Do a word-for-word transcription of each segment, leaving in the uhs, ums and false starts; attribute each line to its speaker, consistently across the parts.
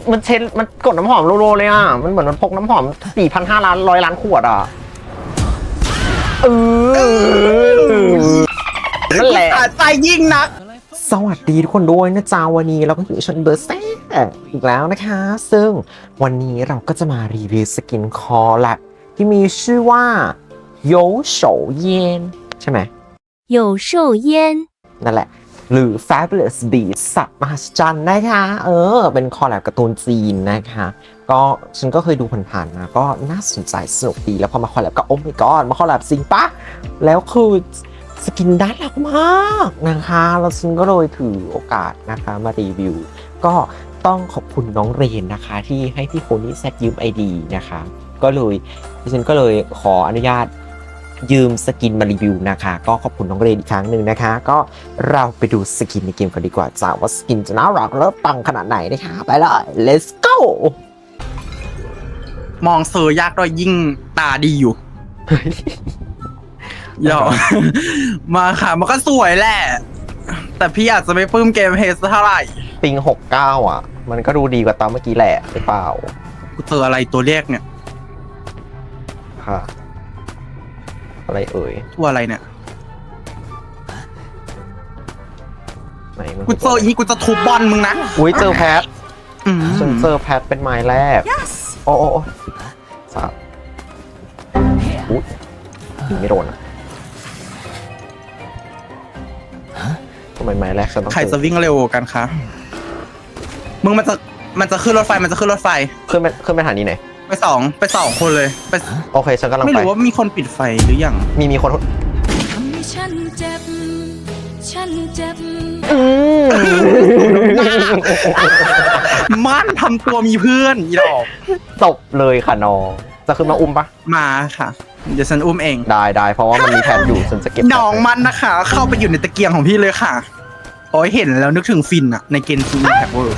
Speaker 1: มันเช็ดมันกดน้ำหอมโลโลเลยอ่ะมันเหมือนมันพกน้ำหอมสี่พันห้าล้านร้อยล้านขวดอ่ะเออนั่นแหละ
Speaker 2: ใจยิ่งนัก
Speaker 1: สวัสดีทุกคนด้วยนะจ๊ะวันนี้เราก็อยู่ชนเบอร์แซ่อีกแล้วนะคะซึ่งวันนี้เราก็จะมารีวิวสกินคอแลบที่มีชื่อว่าโยโฉเย็นใช่ไหม
Speaker 3: 有寿烟
Speaker 1: นั่นแหละหรือ Fabulous Beast สัตว์มหัศจรรย์นะคะเออเป็นคอลแลบการ์ตูนจีนนะคะก็ฉันก็เคยดูผ่านๆนะก็น่าสนใจสนุกดีแล้วพอมาคอลแลบก็โอ้ my god มาคอลแลบจริงปะแล้วคือสกินด้านหลักมากนะคะแล้วฉันก็เลยถือโอกาสนะคะมารีวิวก็ต้องขอบคุณน้องเรนนะคะที่ให้พี่โคนี่แซดยืม ไอ ดี นะคะก็เลยฉันก็เลยขออนุญาตยืมสกินมารีวิวนะคะก็ขอบคุณน้องเรนอีกครั้งหนึ่งนะคะก็เราไปดูสกินในเกมกันดีกว่าจ้าว่าสกินจะน่ารักและปังขนาดไหนนะคะไปเลย let's go
Speaker 2: มองเซอร์ยากด้วยยิ่งตาดีอยู่เดี๋ยวมาค่ะมันก็สวยแหละแต่พี่อาจจะไม่ปลื้มเกมเฮสเท่าไหร่
Speaker 1: ปิงหกเก้าอ่ะมันก็ดูดีกว่าตอนเมื่อกี้แหละหรือเปล่า
Speaker 2: กูเจออะไรตัวเลขเนี่ย
Speaker 1: ค่ะอะไรเอ่ย
Speaker 2: ตัวอะไรเนี่ย
Speaker 1: ไหนมัน
Speaker 2: กูเจออีนี่กูจะทุบบอลมึงนะ
Speaker 1: อุ้ยเจอแพทฉันเจอแพทเป็นไม้แรกโอ้โอ้สาบอุ้ยยิงไม่โดนอ่ะทำไมไม้แรกฉันต้อง
Speaker 2: ใครจะวิ่งเร็วกันคะมึงมันจะมันจะขึ้นรถไฟมันจะขึ้นรถไฟ
Speaker 1: ขึ้นไปขึ้นไปหานี่ไหน
Speaker 2: ไปสองไปสองคนเลยไป
Speaker 1: โอเคฉันกำลังไป
Speaker 2: ไม่รู้ว่ามีคนปิดไฟหรือยัง
Speaker 1: มีมีคน
Speaker 3: ทำให้ฉันเจ็บฉันเจ็บ
Speaker 2: มันทำตัวมีเพื่อนอีดอก
Speaker 1: ตบเลยค่ะน้องจะขึ้นมาอุ้มปะ
Speaker 2: มาค่ะเดี๋ยวฉันอุ้มเอง
Speaker 1: ได้ได้เพราะว่ามันมีแผนอยู่ฉันจะเก็บ
Speaker 2: น้องมันนะคะเข้าไปอยู่ในตะเกียงของพี่เลยค่ะโอ้ยเห็นแล้วนึกถึงฟินอะในเกมซีแพ็คเวอร์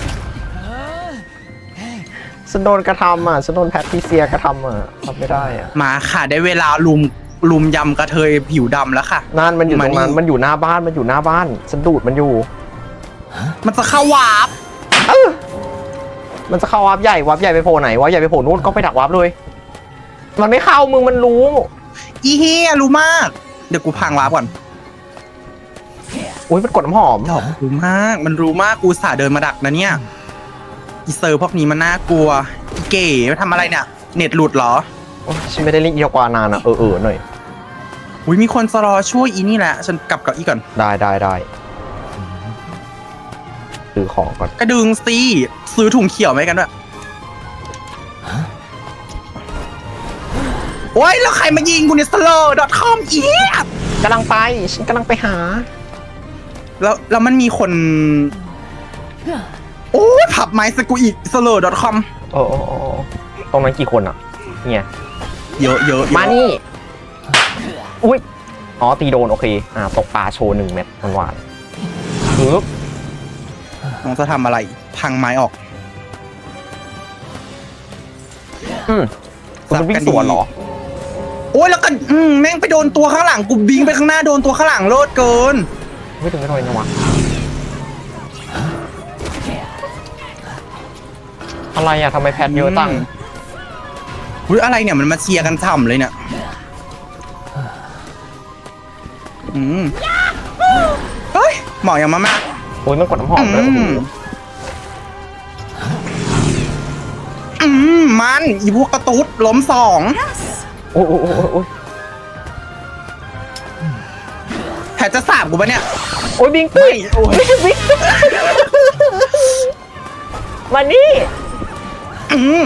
Speaker 1: ฉันโดนกระทำอ่ะฉันโดนแพทริเซียกระทำอ่ะทำไม่ได้อ่ะ
Speaker 2: มาค่ะได้เวลาลุมลุมยำกระเทยผิวดำแล้วค่ะ
Speaker 1: นั่นมันอยู่ตรงนั้นมันอยู่หน้าบ้านมันอยู่หน้าบ้านฉันดูดมันอยู่
Speaker 2: มันจะเข้าวาร์ป
Speaker 1: มันจะเข้าวาร์ปใหญ่วาร์ปใหญ่ไปโผล่ไหนวาร์ปใหญ่ไปโผล่นู่นก็ไปดักวาร์ปเลยมันไม่เข้ามึงมันรู้
Speaker 2: อีเฮียรู้มากเดี๋ยวกูพังวาร์ปก่อน
Speaker 1: อุ้ยมันกดน้ำหอม
Speaker 2: รู้มากมันรู้มากกูสาเดินมาดักนะเนี่ยอีเซอร์พวกนี้มันน่ากลัวอีเก๋มาทำอะไรเนี่ยเน็ตหลุดเหรอ
Speaker 1: ฉันไม่ได้เล่นเอียวกว่านานอ่ะเออเออหน่อย
Speaker 2: อุ้ยมีคนจะรอช่วยอีนี่แหละฉันกลับกับอีก่อน
Speaker 1: ได้ได้ได้ซื้อของก่อน
Speaker 2: กระดึงสิซื้อถุงเขียวไหมกันด้วยโอ้ยแล้วใครมายิงกูเนี่ย สโลว์ ดอท คอม อีเหี้ย
Speaker 1: กำลังไปฉันกำลังไปหา
Speaker 2: แล้วแล้วมันมีคนโอ้ยผับไม้สกูอีก สโลว์ ดอท คอม
Speaker 1: โอ้โอ้โอ้ตรงนั้นกี่คนอ่ะเนี่ย
Speaker 2: เยอะเยอะ
Speaker 1: มานี่อุ้ยอ๋อตีโดนโอเคอ่าตกปลาโชว์หนึ่งเม็ดหวานปึ๊บ
Speaker 2: น้องจะทำอะไรพังไม้ออก
Speaker 1: อืมมันวิ่งสวนเหรอ
Speaker 2: โอ้ยแล้วกันอืมแม่งไปโดนตัวข้างหลังกูบิงไปข้างหน้าโดนตัวข้างหลังโลดเกิน
Speaker 1: ไม่ถึงไม่โดนนะวะอะไรอะทำไมแพทเยอะตั้ง
Speaker 2: อุ้ยอะไรเนี่ยมันมาเชียร์กันฉ่ำเลยเนี่ยอืมเฮ้ยหมอยังมามา
Speaker 1: โอ้ยมันกดน้ำหอมเลย
Speaker 2: อืมมันอีพวกกระตุ้ดล้มสอง
Speaker 1: โอ้โอ้โอ้โอ้
Speaker 2: แผลจะสาบกูปะเนี่ย
Speaker 1: โอ้ยบิงปี้โอ้ยบิงมานี่
Speaker 2: อืม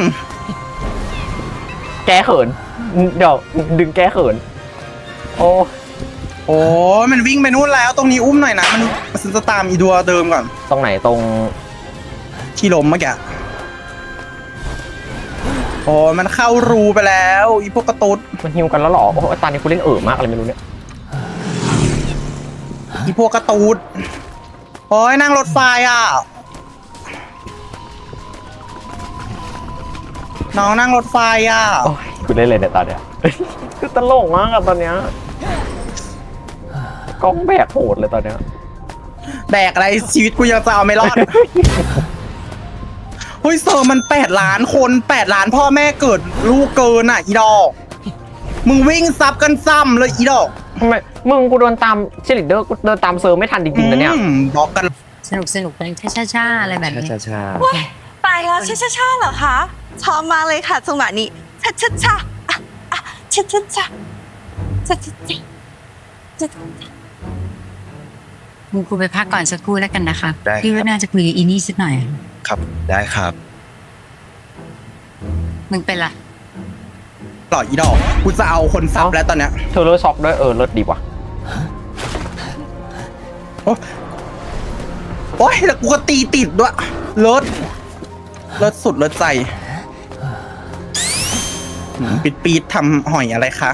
Speaker 1: แกเขินเดี๋ยวดึงแกเขินโอ้
Speaker 2: โอ้มันวิ่งไปนู่นแล้วตรงนี้อุ้มหน่อยนะมันมันจะตามอีดัวเดิมก่อน
Speaker 1: ตรงไหนตรง
Speaker 2: ที่ล้มเมื่อกี้โอ้มันเข้ารูไปแล้วอีพวกกระตุ้ด
Speaker 1: มันหิวกันแล้วหรอโอ้ตอนนี้กูเล่นเอ๋อมากอะไรไม่รู้เนี่ย
Speaker 2: อีพวกกระตุ้ดโอ้ยนั่งรถไฟอ่ะน้องนั่งรถไฟอ่ะ
Speaker 1: โอ้ยกูเล่นเลยเนี่ยตอนเนี้ยคือตลกมากอะตอนเนี้ยกล้องแบกโหดเลยตอนเนี้ย
Speaker 2: แบกอะไรชีวิตกูยังจะเอาไม่รอดฮ้ยเซอร์มันแปดล้านคนแปดล้านพ่อแม่เกิดลูกเกินอ่ะอีดอกมึงวิ่งซับกันซ้ำเลยอีดอก
Speaker 1: ทำไมมึงกูเดินตามเชลิเดอร์กูเดินตามเซอร์ไม่ทันจริงๆนะเนี่ย
Speaker 2: อืมบอกกัน
Speaker 4: สนุกสนุกเป็นช้าช้าๆอะไรแบบนี้
Speaker 1: ช้า
Speaker 5: ตายแล้วชาชาชาเหรอคะชอบมากเลยค่ะจังหวะนี้ชาชาชาอ่ะอ่ะชาชาชาชาชาชาชา
Speaker 4: มึงกูไปพักก่อนสักครู่แล้วกันนะคะ
Speaker 6: ได้ครับ
Speaker 4: พี่ว่าน่าจะคุยกับอีนี่สักหน่อย
Speaker 6: ครับได้ครับ
Speaker 4: มึงเป็นละ
Speaker 2: หล่ออีดอกกูจะเอาคนซับแล้วตอนเนี้ย
Speaker 1: ๆเธอเลิศช็อกด้วยเออเลิศดีว่ะ
Speaker 2: โอ๊ยแล้วกูก็ตีติดด้วยรถรถสุดรถใจหืมปิดปีดทำหอยอะไรคะ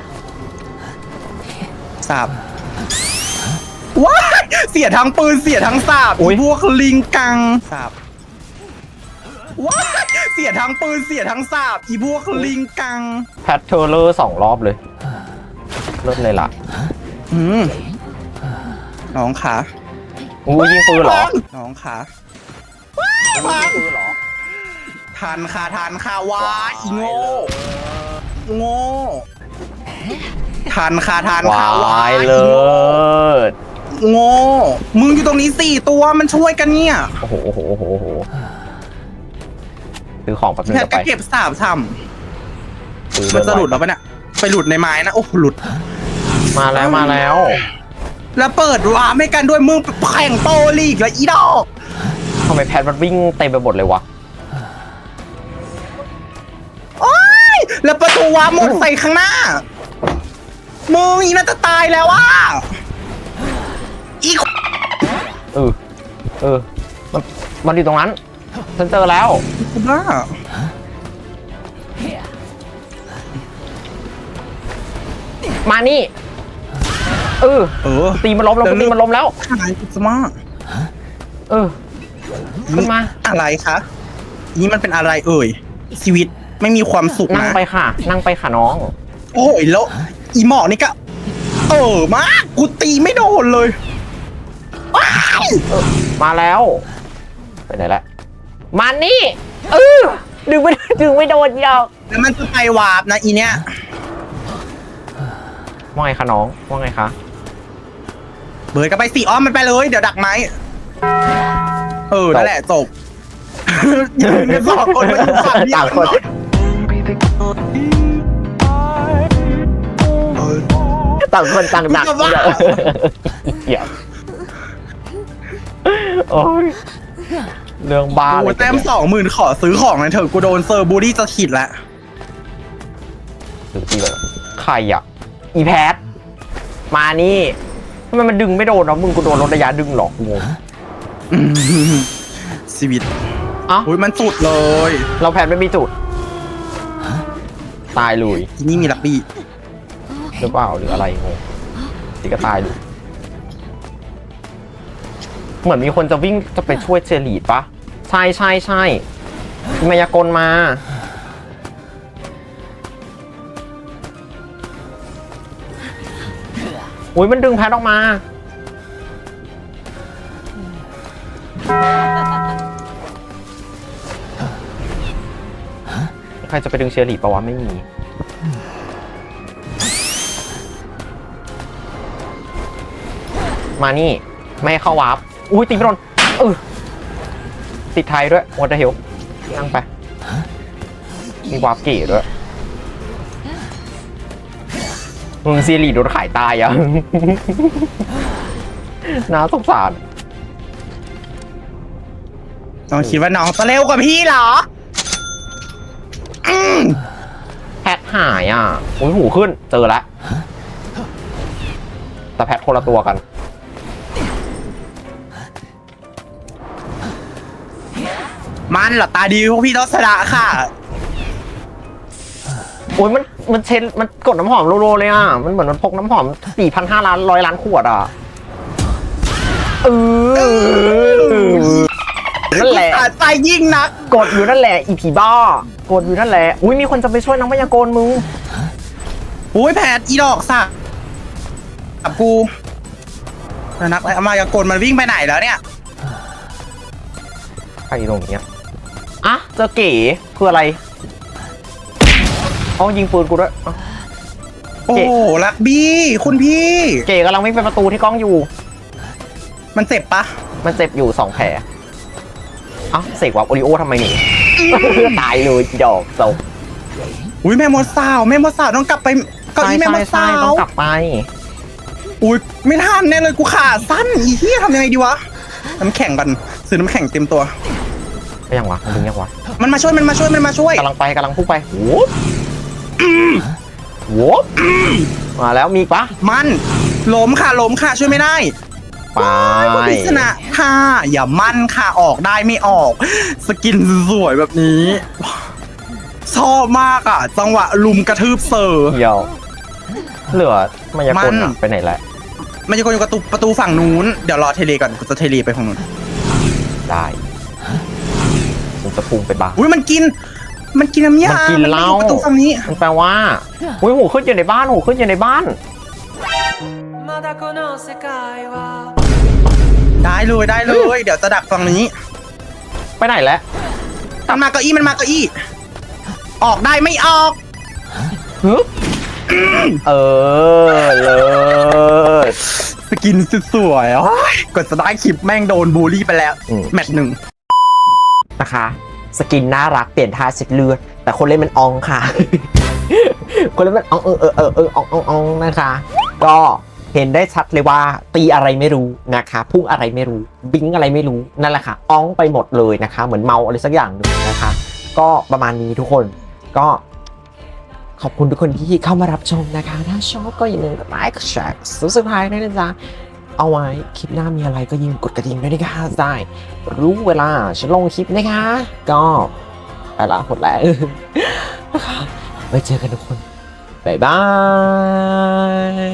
Speaker 2: สาบว้ายเสียทั้งปืนเสียทั้งสาบ
Speaker 1: อุ๊ย
Speaker 2: พวกลิงกังสาบว้ายเสียทั้งปืนเสียทั้งสาบอีพวกลิงกัง
Speaker 1: แพทเทอร์เลอร์สองรอบเลยเลิศเลยล่ะ
Speaker 2: อืมน้องขา
Speaker 1: อู้ยิงปืนเหรอ
Speaker 2: น้องขา
Speaker 1: ยิงปืนเหรอ
Speaker 2: ทันค่ะทันค่ะว้ายอีโง่โง่ทันค่ะทัน
Speaker 1: ว
Speaker 2: ค่ะ
Speaker 1: าย
Speaker 2: อี
Speaker 1: เลิ
Speaker 2: โง่
Speaker 1: ศ
Speaker 2: โง่มึงอยู่ตรงนี้สี่ตัวมันช่วยกันเนี่ย
Speaker 1: โอ้โหโอ้โหโอ้โหโอ้โหซื้อของแป๊บนึง
Speaker 2: แพท
Speaker 1: จะ
Speaker 2: ก็
Speaker 1: ไป
Speaker 2: เก็บสามท
Speaker 1: ซื้อ
Speaker 2: ำมันจะหลุดแล้วปะเนี่ยไปหลุดในไม้นะโอ้หลุด
Speaker 1: มาแล้วมาแล้ว
Speaker 2: แล้วเปิดวาร์ปให้กันด้วยมึงแข่งโปรลีกแล้วอีดอก
Speaker 1: ทำไมแพทมันวิ่งเต็มไปหมดเลยวะ
Speaker 2: โอ้ยแล้วประตูวาร์ปหมดใส่ข้างหน้ามึงอีน่าจะตายแล้วอ่ะอี
Speaker 1: เออเออมันมันอยู่ตรงนั้นฉันเจอแล้ว
Speaker 2: คุณบ้า
Speaker 1: มานี่เออ
Speaker 2: เออ
Speaker 1: ตีมันล้มแล้วกูตีมันล้มแล้ว
Speaker 2: ขายกุสมา
Speaker 1: เออขึ้นมา
Speaker 2: อะไรคะนี่มันเป็นอะไรเอ่ยชีวิตไม่มีความสุข
Speaker 1: นั่ง
Speaker 2: นะ
Speaker 1: ไปค่ะ นั่งไปค่ะน้อง
Speaker 2: โอ้ยแล้วอีหมอนี่ก็เออมากกูตีไม่โดนเลยว้าย
Speaker 1: มาแล้วไปไหนละมานี่เออดึงไม่ดึงไม่โดนยอก
Speaker 2: แล้วมันจะไปวาร์ปนะอีเนี้ย
Speaker 1: ว่าไงคะน้องว่าไงคะ
Speaker 2: เบิร์ดก็ไปสี่อ้อมมันไปเลยเดี๋ยวดักไม้เออนั่นแหละจบยืนกันสองคนมาอยู่ฝั่งเดียว
Speaker 1: ต่างคน ต่างคนต่างดักเดี๋ยวโอ้ยเรื่องบ้า
Speaker 2: โอ้
Speaker 1: เลย
Speaker 2: แต้มสองหมื่นขอซื้อของหน่อยเถอะกูโดนเซอร์บูดี้จะขิดแล้ว
Speaker 1: ซื้อที่เลยใครอ่ะอีแพทมานี่ทำไมมันดึงไม่โดนเนาะมึงกูโดนลดระยะดึงหรอกงง
Speaker 2: อืมชีวิต
Speaker 1: เอ้า
Speaker 2: อุ้ยมันสุดเลย
Speaker 1: เราแพทไม่มีจุดตายเลย
Speaker 2: ที่นี่มีลักบี้
Speaker 1: หรือเปล่าหรืออะไรงงสิก็ตายเลยเหมือนมีคนจะวิ่งจะไปช่วยเจลีดปะใช่ใช่ใช่มีมายากลมาอุ้ยมันดึงแพทออกมาใครจะไปดึงเชอรี่ปะวะไม่มีมานี่ไม่ให้เข้าวาร์ปอุ้ยตีไม่โดนเออติดไทยด้วยวอเตอร์เฮลนั่งไปมีวาร์ปเก๋ด้วยมึงซีรีส์โดนขายตายอ่ะ น่าสงสาร
Speaker 2: น้องคิดว่าน้องจะเร็วกว่าพี่เหรออืม
Speaker 1: แพทหายอ่ะอุ้ยหูขึ้นเจอแล้วแต่แพทคนละตัวกัน
Speaker 2: มันเหรอตาดีพวกพี่ต้องชนะค่ะ
Speaker 1: โอ้ยมันมันเชนมันกดน้ำหอมโลๆเลยอ่ะมันเหมือนมันพกน้ำหอมสี่พันห้าล้านร้อยล้านขวดอ่ะเออนั่นแหละ
Speaker 2: ตาใจยิ่งนัก
Speaker 1: กดอยู่นั่นแหละอีผีบ้ากดอยู่นั่นแหละอุ้ยมีคนจะไปช่วยนักพยากรณ์มึง
Speaker 2: อุ้ยแผดอีดอกสักกับกูแล้วนักอะไรมายากลมันวิ่งไปไหนแล้วเนี่ย
Speaker 1: ใครตรงเนี้ยอ่ะเจอเก๋คืออะไรเอายิงปืนกูด้วยอ่ะ
Speaker 2: โอ้โหลักบี้คุณพี่
Speaker 1: เก๋กำลังวิ่งไปประตูที่กล้องอยู่
Speaker 2: มันเจ็บปะ
Speaker 1: มันเจ็บอยู่สองแผลเอ้าเสกวับโอริโอทำไมหนี ตายเลยดอกจบ
Speaker 2: อุ้ยแม่มดสาวแม่มดสาวต้องกลับไปเก้าอี้แม่มด
Speaker 1: ใช่
Speaker 2: สา
Speaker 1: ใช่
Speaker 2: ว
Speaker 1: ต้องกลับไป
Speaker 2: อุ้ยไม่ทันแน่เลยกูขาสั้นอีเหี้ยทำยังไงดีวะน้ำแข็งกันซื้อน้ำแข็งเต็มตัว
Speaker 1: ไปยังวะมันดึงยังวะ
Speaker 2: มันมาช่วยมันมาช่วยมันมาช่วย
Speaker 1: กำลังไปกำลังพุ่งไปวูบวูบมาแล้วมีอีกปะ
Speaker 2: มันล้มค่ะล้มค่ะช่วยไม่ได้
Speaker 1: ไป
Speaker 2: พิศนะค่ะอย่ามั่นค่ะออกได้ไม่ออก สกินสวยแบบนี้ ชอบมากอ่ะ จังหวะลุมกระทืบเซอร์
Speaker 1: เดี๋ยวเหลือมายากล
Speaker 2: มัน
Speaker 1: อะไปไหนแล้ว
Speaker 2: มันจะคนอยู่ประตูประตูฝั่งนู้นเดี๋ยวรอเทเลก่อนกูจะเทเลไปฝั่งนู้น
Speaker 1: ได้ผมจะพุ่งไปบ้าง
Speaker 2: อุ้ยมันกิน มันกินน้ำยา
Speaker 1: มันกินเหล้า
Speaker 2: อยู่ประตูฝั่งนี้
Speaker 1: มันแปลว่าอุ้ยหูขึ้นอยู่ในบ้านหูขึ้นอยู่ในบ้าน
Speaker 2: ได้เลยได้เลย เดี๋ยวจะดักฝั่งนี้
Speaker 1: ไปไหนแล้ว
Speaker 2: มันมาเก้าอี้มันมาเก้าอี้ ออกได้ไม่ออก
Speaker 1: ฮึบเออเลย
Speaker 2: สกินสวยๆโอ้ยกดจะได้คลิปแม่งโดนบูลลี่ไปแล้ว แมตช์หนึ่ง
Speaker 1: นะคะ สกินน่ารักเปลี่ยนท่าเช็ดเลือดแต่คนเล่นมันอองค่ะ คนเล่นมันอองเออเออเออเอออองอองอองนะคะ ก็เห็นได้ชัดเลยว่าตีอะไรไม่รู้นะคะพุ่งอะไรไม่รู้บิงอะไรไม่รู้นั่นแหละค่ะอองไปหมดเลยนะคะ เหมือนเมาอะไรสักอย่างหนึ่งนะคะ ก็ประมาณนี้ทุกคนก็ขอบคุณทุกคนที่เข้ามารับชมนะคะ ถ้าชอบก็อย่าลืมกดไลค์กดแชร์ซับสไครต์ด้วยนะจ๊ะเอาไว้คลิปหน้ามีอะไรก็อย่าลืมกดกระดิ่งด้วยนะคะได้รู้เวลาฉันลงคลิปนะคะ ก็ไปละหมดแล้ว นะคะไว้เจอกันทุกคนบ๊ายบาย